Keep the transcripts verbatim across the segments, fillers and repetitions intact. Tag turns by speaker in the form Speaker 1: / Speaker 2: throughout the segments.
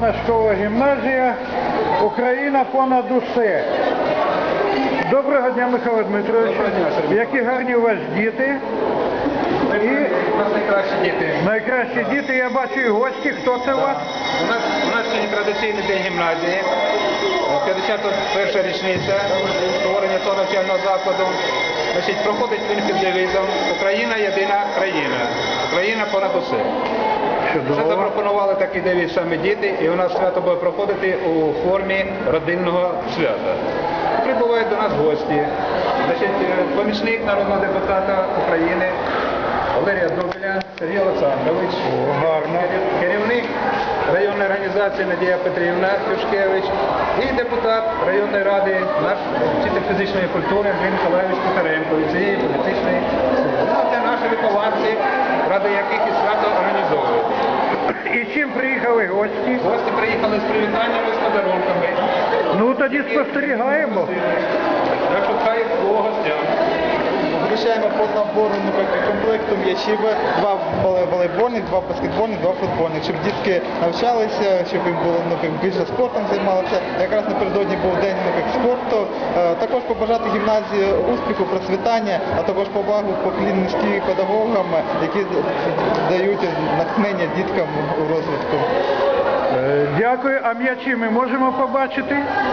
Speaker 1: Навчальна школа-гімназія «Україна понад усе». Доброго дня, Михайло Дмитрович. Які гарні у вас діти.
Speaker 2: І... У нас найкращі діти.
Speaker 1: Найкращі діти, я бачу і гості. Хто це у вас?
Speaker 2: У нас, у нас сьогодні традиційний день гімназії, п'ятдесят перша річниця створення цього навчального закладу. Значить, проходить він під девізом «Україна – єдина країна, Україна понад усе». Вже запропонували такий девіз саме діти, і у нас свято буде проходити у формі родинного свята. Прибувають до нас гості. Значить, помічник народного депутата України Валерія Дубеля Сергій Олександрович,
Speaker 1: гарно.
Speaker 2: Керівник районної організації Надія Петрівна Юшкевич і депутат районної ради, наш вчитель фізичної культури Андрій Миколаївич Кухаренко від цієї політичної сили. Ну, це наші вихованці, ради яких і свято організовують.
Speaker 1: І чим приїхали гості?
Speaker 2: Гості приїхали з привітаннями, з подарунками.
Speaker 1: Ну, тоді спостерігаємо.
Speaker 2: Так що хай було гостям.
Speaker 3: Включаємо по набору комплекту м'ячів, два волейбольних, два баскетбольних, два футбольних, щоб дітки навчалися, щоб їм було ну, більше спортом займалися. Якраз напередодні був день ну, спорту. Також побажати гімназії успіху, процвітання, а також повагу поклін низьким педагогам, які дають натхнення діткам у розвитку.
Speaker 1: Дякую. А м'ячі ми можемо побачити?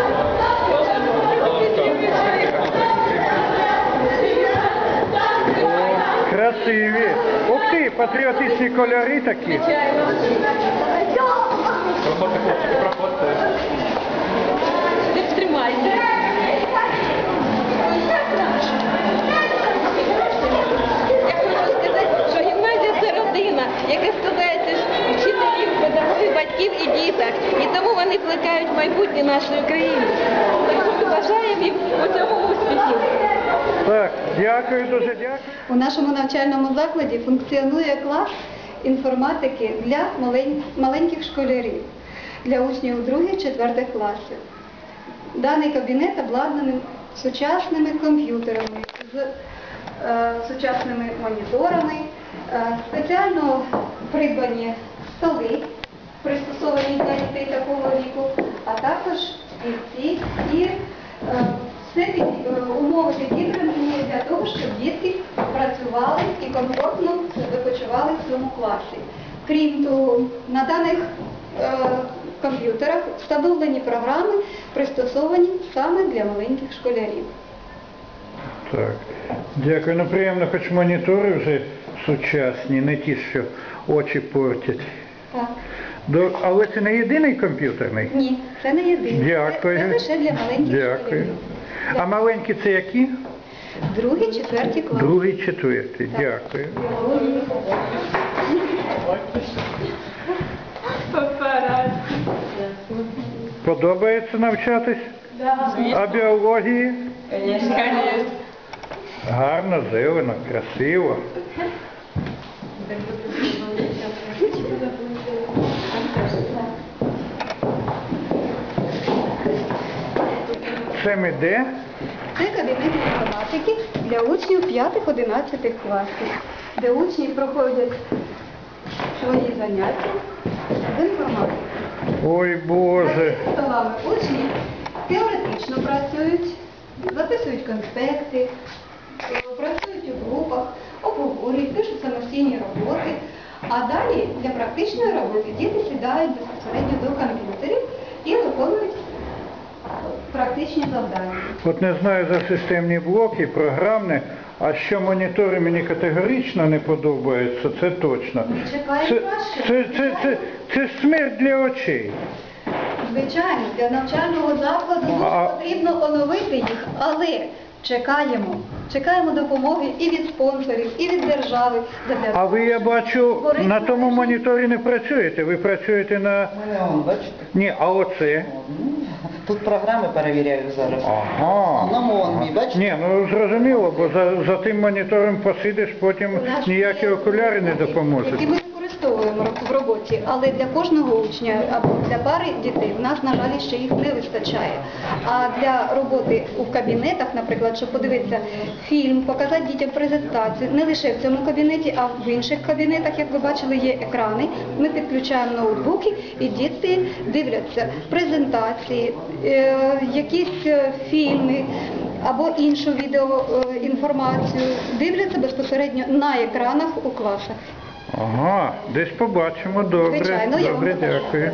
Speaker 1: Красиві. Ух ти, патріотичні кольори такі.
Speaker 2: Проходьте, хлопчики, проходьте.
Speaker 4: Тримайте. Я хочу сказати, що гімназія – це родина, яка складається з вчителів, педагогів, батьків і діток. І тому вони плекають майбутнє нашої країни. Так що ми бажаємо їм у цьому успіхів.
Speaker 1: Так, дякую, дуже дякую.
Speaker 5: У нашому навчальному закладі функціонує клас інформатики для маленьких школярів, для учнів других-четвертих класів. Даний кабінет обладнаний сучасними комп'ютерами, з е, сучасними моніторами, е, спеціально придбані столи, пристосовані для дітей такого віку, а також стільці і е, все умови підібрані для того, щоб дітки працювали і комфортно себе почували в цьому класі. Крім того, на даних е, комп'ютерах встановлені програми, пристосовані саме для маленьких школярів.
Speaker 1: Так, дякую. Ну, приємно, хоч монітори вже сучасні, не ті, що очі портять.
Speaker 5: Так.
Speaker 1: До... Але це не єдиний комп'ютерний?
Speaker 5: Ні, це не єдиний.
Speaker 1: Дякую.
Speaker 5: Це, це лише для маленьких
Speaker 1: Дякую.
Speaker 5: школярів.
Speaker 1: А маленькі це які?
Speaker 5: Другий, четвертий клас.
Speaker 1: Другий, четвертий. Дякую. Подобається навчатись? А біології? Гарно, зелено, красиво. Це ми де?
Speaker 5: Це кабінет інформатики для учнів п'ятих-одинадцятих класів, де учні проходять свої заняття з інформатики.
Speaker 1: Ой, Боже.
Speaker 5: За столами учні теоретично працюють, записують конспекти, працюють у групах, обговорюють, пишуть самостійні роботи. А далі для практичної роботи діти сідають безпосередньо до комп'ютерів і виконують практичні завдання.
Speaker 1: От не знаю за системні блоки, програмне, а що монітори мені категорично не подобаються, це точно.
Speaker 5: Ми чекаємо
Speaker 1: Це,
Speaker 5: краще.
Speaker 1: це, це, це, це смерть для очей.
Speaker 5: Звичайно, для навчального закладу дуже
Speaker 1: А-
Speaker 5: потрібно оновити їх, але чекаємо. Чекаємо допомоги і від спонсорів, і від держави. Задля
Speaker 1: А ви, я бачу,
Speaker 5: створити
Speaker 1: на тому
Speaker 5: належні-
Speaker 1: моніторі не працюєте, ви працюєте на...
Speaker 6: Мене он, бачите?
Speaker 1: Ні, а оце?
Speaker 6: Тут програми перевіряю зараз.
Speaker 1: Ага.
Speaker 6: Одному он мій, бачите?
Speaker 1: Ні, ну зрозуміло, бо за, за тим монітором посидиш, потім
Speaker 5: У нас
Speaker 1: ніякі
Speaker 5: є
Speaker 1: окуляри не
Speaker 5: роботи,
Speaker 1: допоможуть.
Speaker 5: якими користуються використовуємо в роботі, але для кожного учня або для пари дітей в нас, на жаль, ще їх не вистачає. А для роботи у кабінетах, наприклад, щоб подивитися фільм, показати дітям презентацію, не лише в цьому кабінеті, а в інших кабінетах, як ви бачили, є екрани. Ми підключаємо ноутбуки і діти дивляться презентації, е, якісь е, фільми або іншу відеоінформацію, дивляться безпосередньо на екранах у класах.
Speaker 1: Ага, десь побачимо, добре,
Speaker 5: Звичайно, я вам
Speaker 1: добре,
Speaker 5: покажу.
Speaker 1: дякую.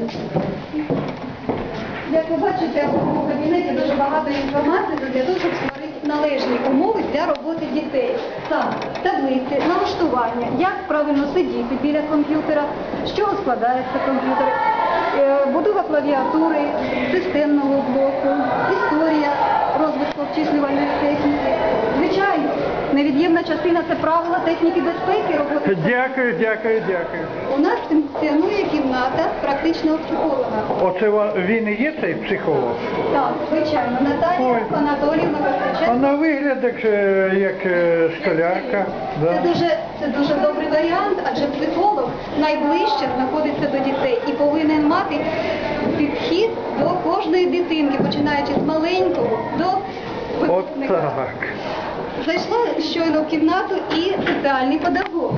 Speaker 5: Як ви бачите, у кабінеті дуже багато інформації для того, щоб створити належні умови для роботи дітей. Саме таблиці, налаштування, як правильно сидіти біля комп'ютера, з чого складається комп'ютер, е, будова клавіатури, системного блоку, історія розвитку обчислювальної техніки. Звичайно, невід'ємна частина – це правила техніки безпеки роботи.
Speaker 1: Дякую, дякую, дякую.
Speaker 5: У нас функціонує кімната практичного психолога.
Speaker 1: Оце ва- він і є цей психолог?
Speaker 5: Так, звичайно, Наталія
Speaker 1: Ой.
Speaker 5: Анатоліївна
Speaker 1: А
Speaker 5: Воскресенко.
Speaker 1: на вигляд як, е, як е, школярка.
Speaker 5: Це
Speaker 1: Да?
Speaker 5: дуже, це дуже добрий варіант, адже психолог найближче знаходиться до дітей і повинен мати підхід до кожної дитинки, починаючи з маленького до
Speaker 1: От
Speaker 5: випускника.
Speaker 1: так.
Speaker 5: Зайшла щойно в кімнату і соціальний педагог.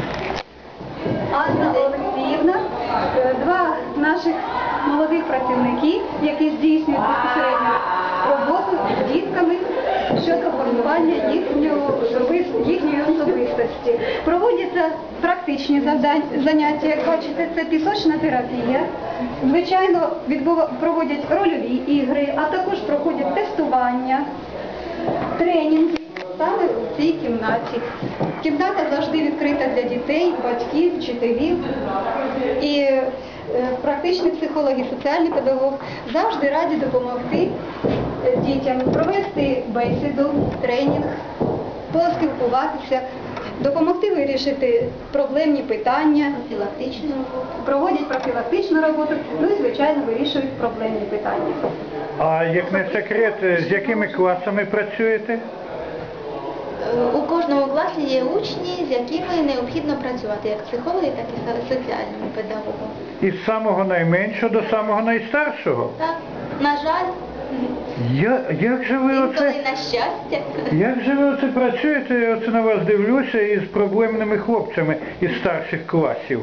Speaker 5: Анна Олексіївна, е, два наших молодих працівники, які здійснюють безпосередньо роботу з дітками щодо формування їхнього, особис- їхньої особистості. Проводяться практичні завдань, заняття, як бачите, це пісочна терапія. Звичайно, відбува- проводять рольові ігри, а також проходять тестування, тренінги саме в цій кімнаті. Кімната завжди відкрита для дітей, батьків, вчителів. І е, практичний психолог і соціальний педагог завжди раді допомогти е, дітям провести бесіду, тренінг, поспілкуватися, допомогти вирішити проблемні питання, профілактичну роботу. Проводять профілактичну роботу, ну і, звичайно, вирішують проблемні питання.
Speaker 1: А як не секрет, з якими класами працюєте?
Speaker 7: У кожному класі є учні, з якими необхідно працювати, як психологи, так і со- соціальними педагогами.
Speaker 1: Із самого найменшого до самого найстаршого?
Speaker 7: Так, на жаль,
Speaker 1: Я, як же ви
Speaker 7: інколи
Speaker 1: оце,
Speaker 7: на щастя.
Speaker 1: як же ви оце працюєте, я оце на вас дивлюся, із проблемними хлопцями із старших класів?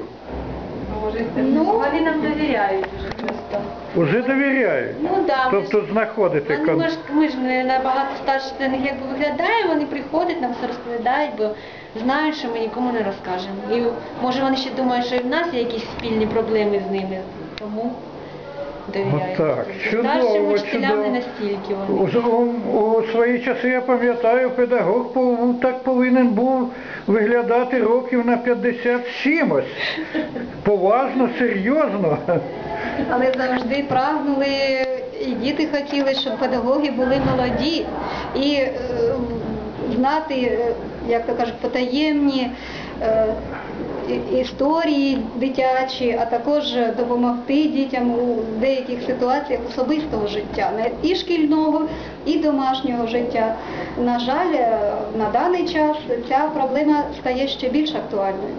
Speaker 7: Ну,
Speaker 4: Вони нам довіряють дуже просто.
Speaker 1: Уже довіряють?
Speaker 4: Ну да, ми ж-
Speaker 1: Тобто знаходите
Speaker 4: Вони,
Speaker 1: кон...
Speaker 4: ми, ж, ми ж не набагато старше за них якби виглядаємо, вони приходять, нам все розповідають, бо знають, що ми нікому не розкажемо. І може вони ще думають, що і в нас є якісь спільні проблеми з ними, тому довіряють.
Speaker 1: Отак,
Speaker 4: Старшим
Speaker 1: чудово,
Speaker 4: учителям
Speaker 1: чудово.
Speaker 4: не настільки вони.
Speaker 1: Уже у, у свої часи, я пам'ятаю, педагог пов- так повинен був виглядати років на п'ятдесят з чимось. Поважно, серйозно.
Speaker 5: Але завжди прагнули, і діти хотіли, щоб педагоги були молоді і е, знати, е, як то кажуть, потаємні е, і- історії дитячі, а також допомогти дітям у деяких ситуаціях особистого життя, не і шкільного, і домашнього життя. На жаль, е, на даний час ця проблема стає ще більш актуальною.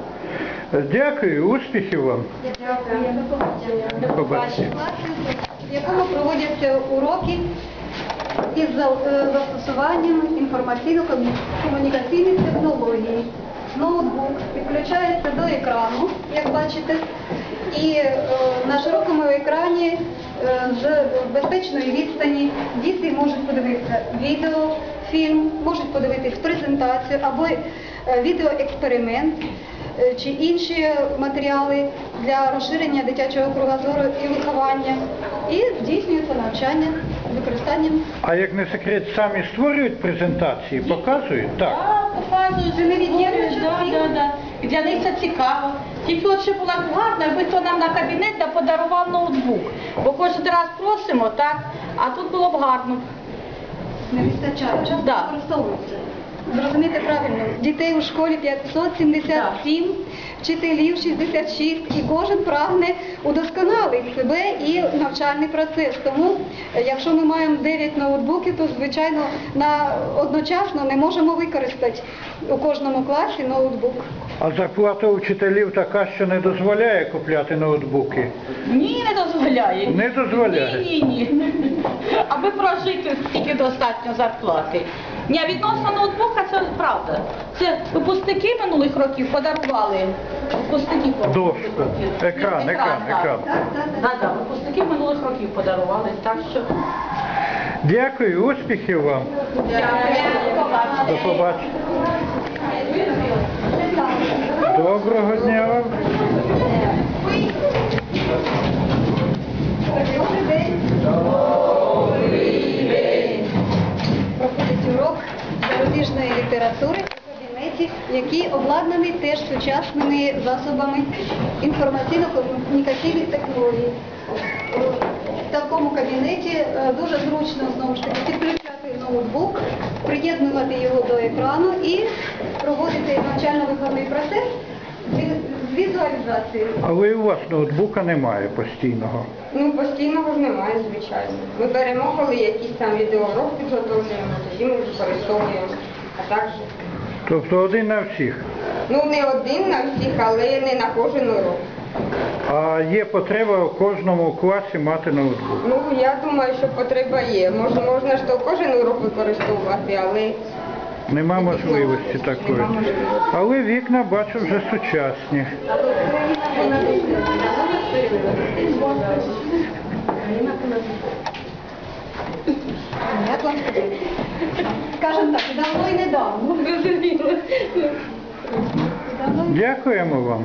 Speaker 1: Дякую, успіхів вам.
Speaker 5: Дякую.
Speaker 1: До побачення.
Speaker 5: Класі, в якому проводяться уроки із за- е, застосуванням інформаційно-комунікаційних технологій. Ноутбук підключається до екрану, як бачите, і е, на широкому екрані е, з безпечної відстані діти можуть подивитися відео, фільм, можуть подивитись презентацію або е, відеоексперимент е, чи інші матеріали для розширення дитячого кругозору і виховання. І здійснюється навчання з використанням.
Speaker 1: А як не секрет, самі створюють презентації, показують? Так.
Speaker 8: Так, показують,
Speaker 5: Це невід'ємна
Speaker 8: да,
Speaker 5: частина.
Speaker 8: да, да. І для них це цікаво. Тільки от щоб було гарно, якби хто нам на кабінет да подарував ноутбук. Бо кожен раз просимо, так, а тут було б гарно.
Speaker 5: Не вистачає, часто
Speaker 8: Да.
Speaker 5: використовується. Зрозумійте правильно, дітей у школі п'ятсот сімдесят сім, вчителів шістдесят шість, і кожен прагне удосконалити себе і навчальний процес. Тому, е, якщо ми маємо дев'ять ноутбуків, то, звичайно, на, одночасно не можемо використати у кожному класі ноутбук.
Speaker 1: А зарплата учителів така, що не дозволяє купляти ноутбуки?
Speaker 8: Ні, не дозволяє.
Speaker 1: Не дозволяє?
Speaker 8: Ні, ні, ні. Аби прожити, скільки достатньо зарплати. Ні, а відносно ноутбука це правда. Це випускники минулих років подарували. Випускники
Speaker 1: Дошку. Екран, екран,
Speaker 8: так.
Speaker 1: екран.
Speaker 8: Так, так, випускники минулих років подарували. Так що...
Speaker 1: Дякую, успіхів вам. До побачення. Доброго дня вам.
Speaker 5: Проходить урок зарубіжної літератури у кабінеті, який обладнаний теж сучасними засобами інформаційно-комунікаційних технологій. В такому кабінеті е, дуже зручно знову ж таки підключати ноутбук, приєднувати його до екрану і проводити навчально-виховний процес з візуалізацією.
Speaker 1: Але і у вас ноутбука немає постійного.
Speaker 9: Ну, постійного ж немає, звичайно. Ми беремо, коли якийсь там відеоурок підготовлюємо, тоді ми використовуємо. А так же.
Speaker 1: Тобто один на всіх.
Speaker 9: Ну, не один на всіх, але не на кожен урок.
Speaker 1: А є потреба у кожному класі мати ноутбук.
Speaker 9: Ну, я думаю, що потреба є. Може, можна ж то кожен урок використовувати, але...
Speaker 1: Нема можливості такої. Але вікна, бачу, вже сучасні.
Speaker 5: Як вам сказати? Скажемо так, давно і недавно.
Speaker 1: Дякуємо вам.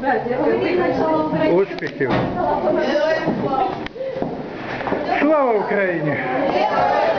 Speaker 1: Успіхів. Слава Україні!